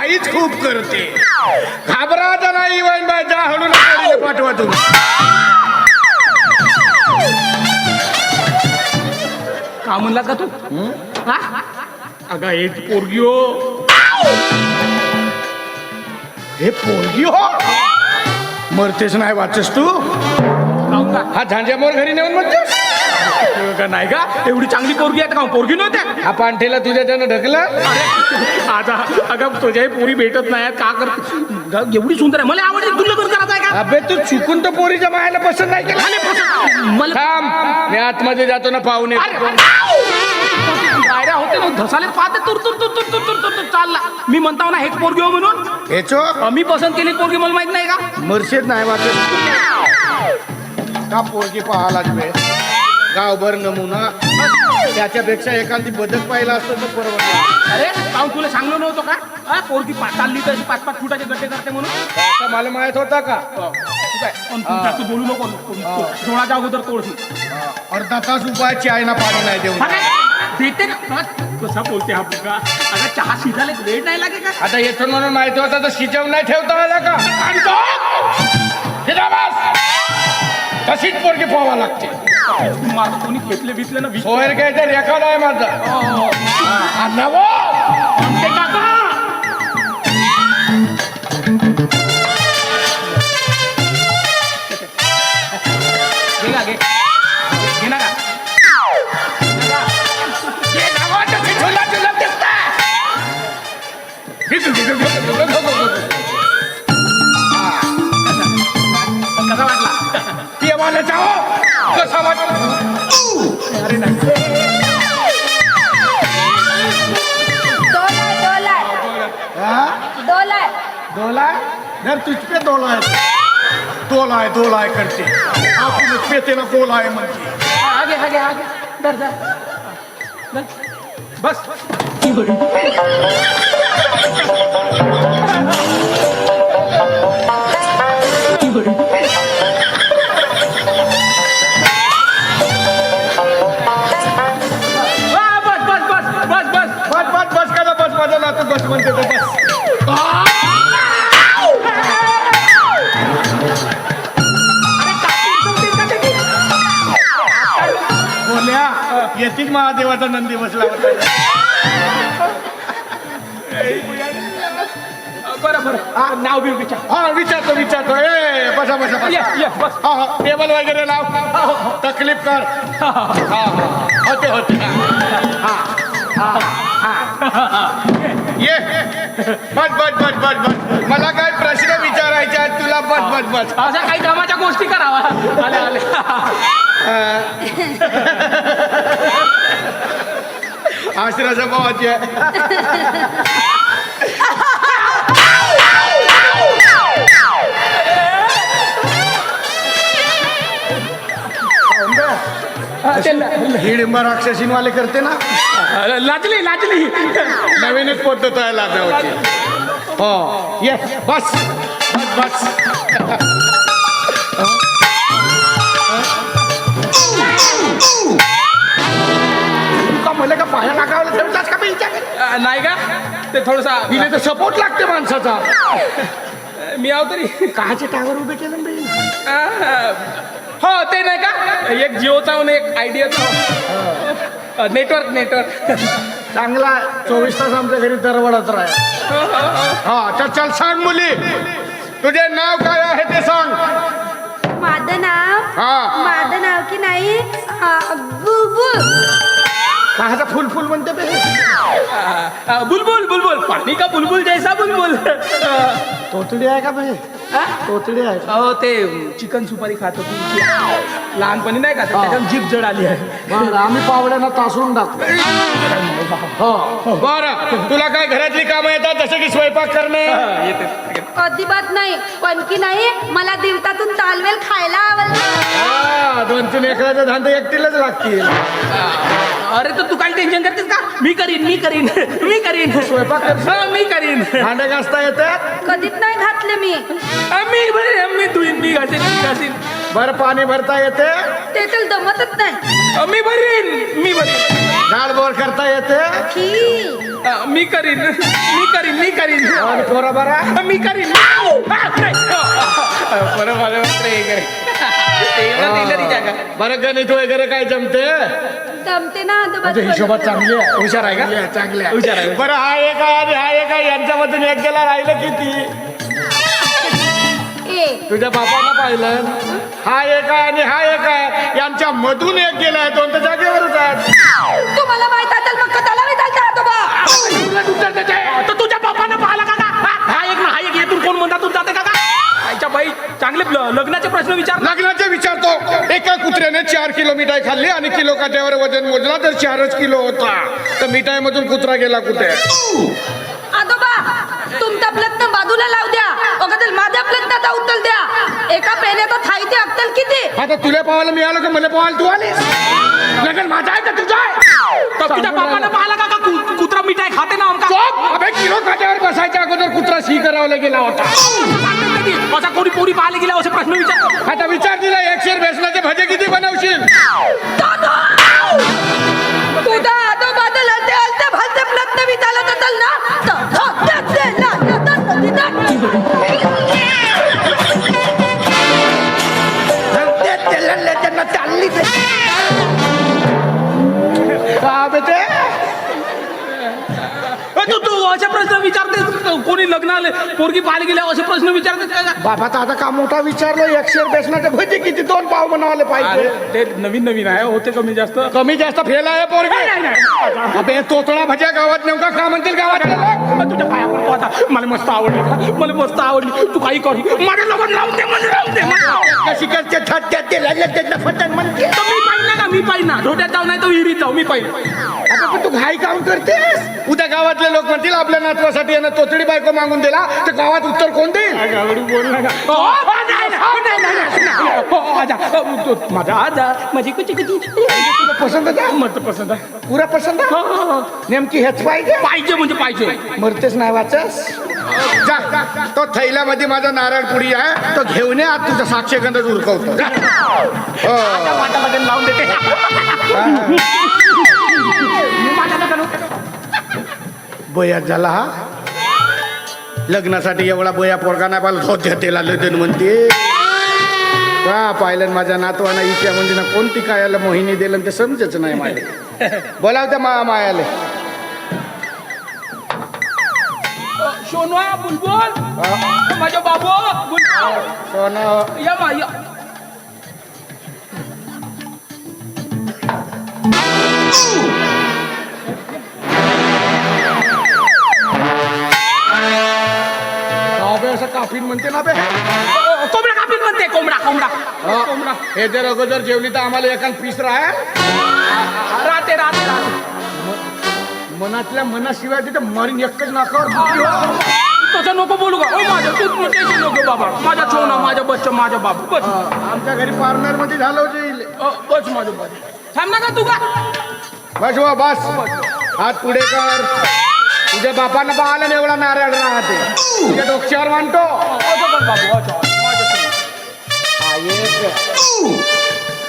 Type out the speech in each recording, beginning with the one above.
घाईच खूप करते. घाबरायचं नाही वैन बाय, जा हळू नका पाठवा तुम्ही. का म्हणलात का तू? हा? अगं हे पोरगी हो. हे पोरगी हो, मरतेच नाही वाचस तू. काहून का? हा झांज्यामोर घरी नेऊन म्हणतेस का नाही का? एवढी चांगली पोरगी आहे का? पोरगी नव्हत्या. हा पांठेला तुझ्या त्यानं ढकला. आता अगं तुझ्याही पोरी भेटत नाही का कर? एवढी सुंदर आहे, मला आवडते. तुला लग्न करायचं आहे का? अबे तू चुकून तर पोरीच्या मायाला पसंत नाही केला. मला थांब, मी आतमध्ये जातो ना पाहुणे. गायऱ्या होते ना, धसाले पाहते तुर तुर तुर तुर तुर तुर तुर तुर चालला. मी म्हणताव ना हेच पोरगी हो म्हणून. हेचो मी पसंत केली पोरगी, मला माहित नाही का? मर्षेत नाही वाचत का पोरगी पाहायला लागले. गावभर नमुना, त्याच्यापेक्षा एखादी बदक पाहिला असतं तर परवडलं. अरे काहून तुला सांगलो नव्हतं का? हा, पोरगी चालली तर 5-5 फुटाचे गड्डे करते म्हणून. आता मला माहित होता का? पण तू जास्त बोलू नको. थोडाच्या अगोदर तोडशी. अर्धा तास उपायाची आहे ना, पाणी नाही देऊन. देते ना. कसा बोलते हा पोरगा? अगं चहा शिजायला वेळ नाही लागे का? आता येथून म्हणून माहिती होता तर शिजवून नाही ठेवता आला का? तशीच पोरगी पोहावा लागते. माझं कोणी घेतले बितले ना सोयर घ्यायचं रेकॉर्ड आहे माझा. कसा वाटला? पिवाला जाओ. कसा वाटला? अरे नाही. दोलाय घर तुझ पे दोलाय करते. आपण पेते ना गोलाय म्हणते. आगे आगे आगे डर डर बस बस करा. बस माझा नातू बस म्हणते तर बस. बोल्या येतील महादेवाचा नंदी बसला होता. बरं नाव बी विचार. हा विचारतो. ए बसा बस. हा टेबल वगैरे लाव. तकलीफ कर. होते ये बस. मला काय प्रश्न विचारायचे आहेत तुला. बस अशा काही कामाच्या गोष्टी करावा. आले आश्राचा भावाची आहे. हिडिंबा राक्षसीनवाले करते ना. लाजली नवीनच पद्धत आहे लाजवायची. हो ये बस. का मला का पाया टाकावला ठेवताच का विचार नाही का? ते थोडसा हिने तर सपोर्ट लागते माणसाचा. मी आहो तरी काहाचे टावर उभे केलं बे. हो ते नाही का, एक जिओचा आणि एक आयडियाचा नेटवर्क चांगला 24 तास आमच्या घरी दरवडत राहा. हा चल सांग मुली, तुझे नाव काय आहे ते सांग. माझं नाव की नाही बुलबुल. काहाचा फुल म्हणते बे. बुलबुल पाणी का बुलबुल जैसा बुलबुल. तोतडी आहे का बे? तोतडी आहे. अहो ते चिकन सुपारी खात होती लहानपणी नाही का, त्याच्यात जीभ जड आली आहे. बरं आम्ही पावड्यांना तासून टाकतो. हो बरं, तुला काय घरातली कामं येतात जसं की स्वयंपाक करणे? अजिबात नाही, पण की नाही मला दिवसातून तालवेल खायला आवडतं. 2-3 एकराचा धांदा एकटीलाच लागतील. अरे तर तू काय टेन्शन करतेस का? मी करीन स्वयंपाक कर. मी करीन. भांडे घासता येतात? कधीच नाही घातले मी. मी घासीन. बरं पाणी भरता येते? ते तर जमतच नाही. मी भरीन. झाड बोर करता येते छी. मी करीन. आणि पोरा बरा मी करीन. बरं मला वाटतं हे करेन. एवढं दिलं ती जागा. बरं गणित वगैरे काय जमते जमते ना आजोबा. म्हणजे हिशोबात चांगली आहे हुशार आहे का? चांगली आहे हुशार आहे. बरं हा एक आहे आणि हा एक आहे यांच्यामधून एक गेला राहिलं किती ए तुझ्या बापानं पाहिलं हा एक आहे आणि हा एक आहे यांच्या मधून एक गेलाय दोन तर जागेवरच आहेत तुम्हाला माहित असेल मग कदाला मी चालते आजोबा. तर तुझ्या बापानं पाहिला का? हा एक ना हा एक येथून कोण म्हणता तू जाते का? आईच्या बाई चांगले लग्नाचे प्रश्न विचार. लग्नाचे विचारतो एका कुत्र्याने 4 किलो मिठाई खाल्ली आणि किलो काट्यावर वजन मोजला तर 4च किलो होता तर मिठाई मधून कुत्रा गेला कुठे आजोबा तुमचा प्रश्न बाजूला लाव द्या अगोदर माझ्या प्रश्नाचा उत्तर द्या. एका पेण्याचा थाईचे अक्कल किती? आता तुला पाहायला मिळालं का मला पाहायला तू आलीस लग्न माझा आहे का तुझा आहे तर तुझ्या बापानं पाहिला का कुत्रा मिठाई खाते ना आमका? अबे किलो काट्यावर बसायच्या अगोदर कुत्रा शी करावला गेला होता असा कोणी पोरी पाहायला गेला असे प्रश्न विचार. आता विचार दिला 1 शेर बेसनाचे भजे किती बनवशील तुझा आजोबाचं लढते हलते भलते प्रश्न विचारत असेल ना चालली का बेटे तू असे प्रश्न विचारते कोणी लग्नाला पोरगी पाहायला गेल्या असे प्रश्न विचारते का? बाबा तर आता का मोठा विचारलं 1 शेर बेसनाचे भजे किती 2 पाव बनवायला पाहिजे ते नवीन आहे होते कमी जास्त. कमी जास्त फेल आहे पोरगे अबे तोतळा भज्या गावात नेमका का म्हणतील गावात तुझ्या पाया पडतो आता. मला मस्त आवडली मला मस्त आवडली. तू काही करू माझ्या लोकांना लावून दे मला लावून दे मला. कशी करते थट्ट्यात ते लागले त्यांना फटण म्हणते तर मी पाहिजे ना मी पाहिजे ना ढोट्यात जाऊ नाही तर विहिरीत जाऊ मी पाहिजे. आता पण तू घाई काम करतेस उद्या गावातले लोक म्हणतील आपल्या नातवासाठी यानं तोतडी बायको मागून दिला तर गावात उत्तर कोण देईल गावडी बोल नका. माझा आजा माझी कुची कुची तुला पसंत आहे मत पसंत आहे. पुरा पसंत आहे नेमकी हेच पाहिजे पाहिजे म्हणजे पाहिजे. मरतेच नाही वाचस जा तो थैल्यामध्ये माझा नारळ पुडी आहे तो घेऊन ये आज तुझा साक्षगंधच उरकवतो जा. हो. माझ्या लग्न लावून देते. माझ्या लग्न बयात झाला हा लग्नासाठी एवढा बया पोरगा नाही पाहिला धोत्या तेला लग्न म्हणते का पाहिलं माझ्या नातवाना इच्या म्हणजे ना कोणती कायाला मोहिनी दिलं ते समजच नाही माझे बोलावत्या मायाले सोनवा बुलबुल माझ्या बाबू बुलबुल सोनं या मा या. असं काफीन म्हणते ना बे कोंबडा कापीत म्हणते कोंबडा कोंबडा कोंबडा हे जर अगोदर जेवली तर आम्हाला एखाद पीस राहा राहते राहते मनातल्या मनाशिवाय तिथं मरीन एकच नाकावर तसं नको बोलू का. माझ्या तू टेन्शन नको बाबा. माझा छोना माझा बच्चा माझा बाबू बस. आमच्या घरी पार्लर मध्ये झालं जाईल बस माझं बस. थांब ना का तू का बस वा बस हात पुढे कर तुझ्या बापानं पाहिलं ना एवढा नारळ राहते तुझ्या डोक्यावर मांडतो असं कर बाबू अच्छा माझ्या हा, एक.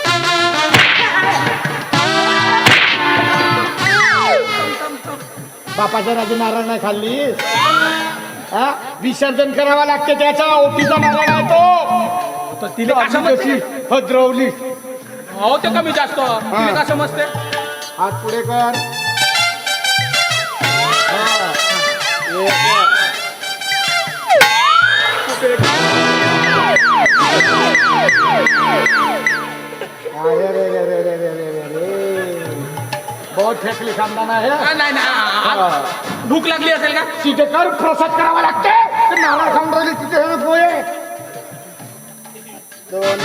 बापाच्या राजी नारळ नाही खाल्लीस हा विसर्जन करावं लागते त्याचा ओटीचा नारळ आहे तो तर तिला कसं कशी हद्रवली हो ते कमी जास्त तिला कसं समजते. हात पुढे कर हा. एक. अरे रे रे रे रे रे रे रे रे बहुत फेकली खानदान आहे नाही नाही भूक लागली असेल का. तिथे कर प्रसाद करावा लागते ते नारळ खाऊन राहिले तिथे हे पोहे दोन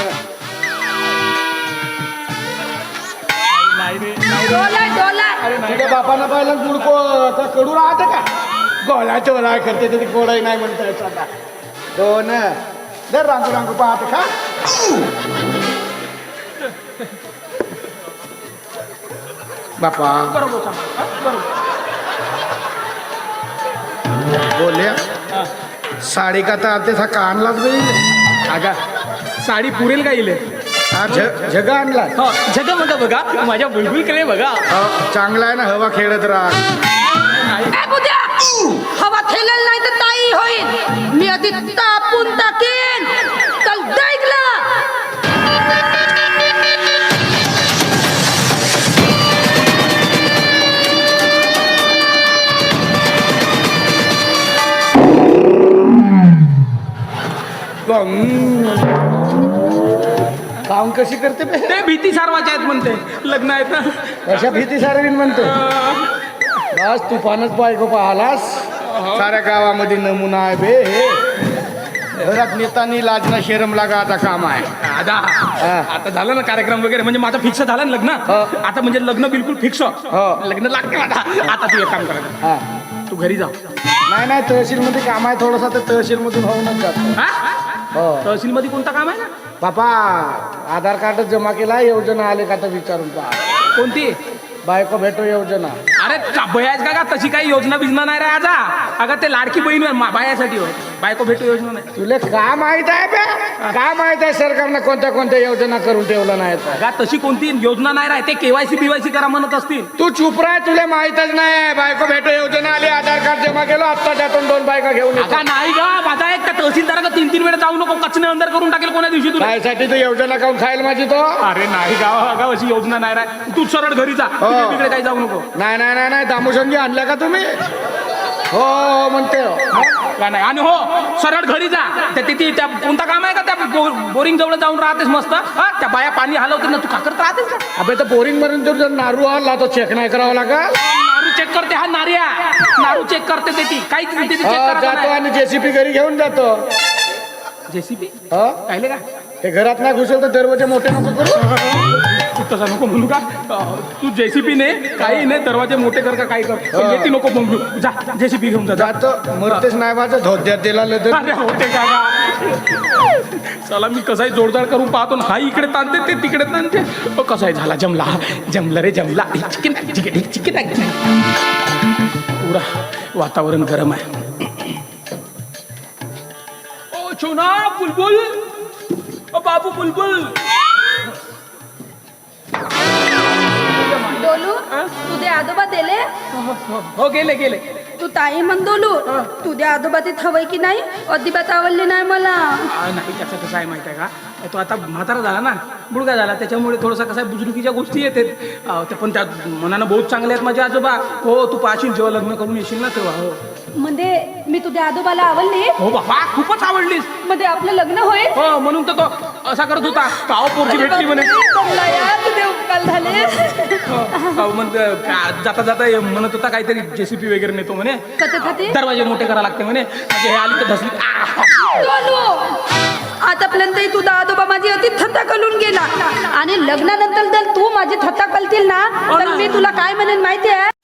नाही रे डोला डोला तुझ्या बापानं पाहिलं गुडको कडू राहते का गोळा चोळा करते ते गोळाही नाही म्हणता येत आता दोन दर रांगू रांगू पाहते का बापा बरोबर बरोबर बोलल्या साडी का तर आता हा का आणलाच बाई अगा साडी पुरेल का इले हा झगा आणला हो जग बघा बघा माझ्या बुलबुलकडे बघा. चांगला आहे ना, हवा खेळत राहा. ए बुद्या, हवा खेळेल नाही तर ताई होईल. मी आधी तापून टाकेन. चल ऐकला. काम कशी करते बे? ते भीती सारवायचे आहेत म्हणते, लग्न आहेत ना. कशा भीती सारवीन म्हणतो. बस तुफानच बायको पाहलास. साऱ्या गावामध्ये नमुना आहे बे हे. घरात नेतानी लाजना शेरम लागा आता काम आहे. दादा आता झालं ना कार्यक्रम वगैरे, म्हणजे माझं फिक्स झालं ना लग्न. आता म्हणजे लग्न बिलकुल फिक्स. लग्न लागते आता. आता तू एक काम करायचं, हा तू घरी जा. नाही नाही, तहसील मध्ये काम आहे थोडंसं, तर तहसील मधून होऊनच जातो. हो तहसील मध्ये कोणतं काम आहे ना? बापा आधार कार्ड जमा केला, योजना आले का तर विचारून पहा. कोणती? बायको भेटो योजना. अरे बयाच का तशी काही योजना बिजना नाही रे आजा. अगं ते लाडकी बहीण बायासाठी हो, बायको भेटू योजना नाही. तुला का माहित आहे बे? का माहित आहे सरकारनं कोणत्या कोणत्या योजना करून ठेवलं नाही तर? अगं तशी कोणती योजना नाही राहते. केवायसी बीवायसी करा म्हणत असतील. तू चुप राह, तुला माहितच नाही. बायको भेटो योजना आली, आधार कार्ड जमा केलं, आत्ता त्यातून 2 बायका घेऊन येतो. अगं नाही ग माझा एक तहसीलदार 3-3 वेळा जाऊ नको, कचने अंदर करून टाकेल कोण्या दिवशी तुला. त्यासाठी तू योजना काऊन खायला माझी तो? अरे नाही गाव अगं अशी योजना नाही राह. तू सरळ घरी जा, तिकडे काही जाऊ नको. नाही नाही नाही नाही, दामोशनजी आणल्या का तुम्ही? हो हो म्हणते. का नाही? आणि हो सरळ घरी जा. तिथे त्या कोणता काम आहे का त्या बोरिंग जवळ जाऊन राहतेस मस्त. हा त्या बाया पाणी हलवते ना, तू का करत राहतेस का? अबे तर बोरिंग मधून जर नारू आला तो चेक नाही करावा लागेल. नारू चेक करते हा नारिया. नारू चेक करते ते ती काही चेक जातो करत आणि जेसीपी घरी घेऊन जातो. जेसीबी हा कायले का? ते घरात नाही घुसेल तर दरवाजे मोठे नको करू. तू तसा नको म्हणू का? तू जेसीबी ने काही नाही, दरवाजे मोठे कर का काही कर, येते नको म्हणू. जा जेसीबी घेऊन जा. जातो मरतेच नाही माझं धोत्यात दिला तर. अरे होते का? चला मी कसाही जोरदार करून पाहतो ना. हा इकडे ताणते ते तिकडे ताणते. कसाही झाला, जमला जमला रे जमला. Chicken chicken chicken. पुरा वातावरण गरम आहे. ओ छोना बुलबुल, ओ बाबू बुलबुल. डोलू तुझे आजोबा दिले. हो गेले गेले. तू ताई म्हण डोलू, तुझ्या आजोबा तिथे हवंय की नाही अजिबात आवडली नाही मला. नाही त्याचं कसं आहे माहिती आहे का, तो आता म्हातारा झाला ना, बुडगा झाला, त्याच्यामुळे थोडंसं कसं आहे बुजुर्गीच्या गोष्टी येतात. ते पण त्या मनानं बहुत चांगले आहेत माझे आजोबा. हो तू पाहशील जेव्हा लग्न करून येशील ना तेव्हा. हो म्हणजे मी तुझ्या आजोबाला आवडली. हो बाबा खूपच आवडलीस. म्हणजे आपलं लग्न होईल. हो म्हणून तर तो असा करत होता. काव पोरची भेटली म्हणे. तुझे उपकार झाले. जाता जाता म्हणत होता काहीतरी जेसीपी वगैरे नेतो म्हणे. कशासाठी? दरवाजे मोठे करा लागते म्हणे. म्हणजे हे आली तर धसली. आतापर्यंत तुझा आजोबा माझी अति थत्ता कलून गेला आणि लग्नानंतर जर तू माझी थत्ता कलतील ना तर मी तुला काय म्हणेन माहिती आहे?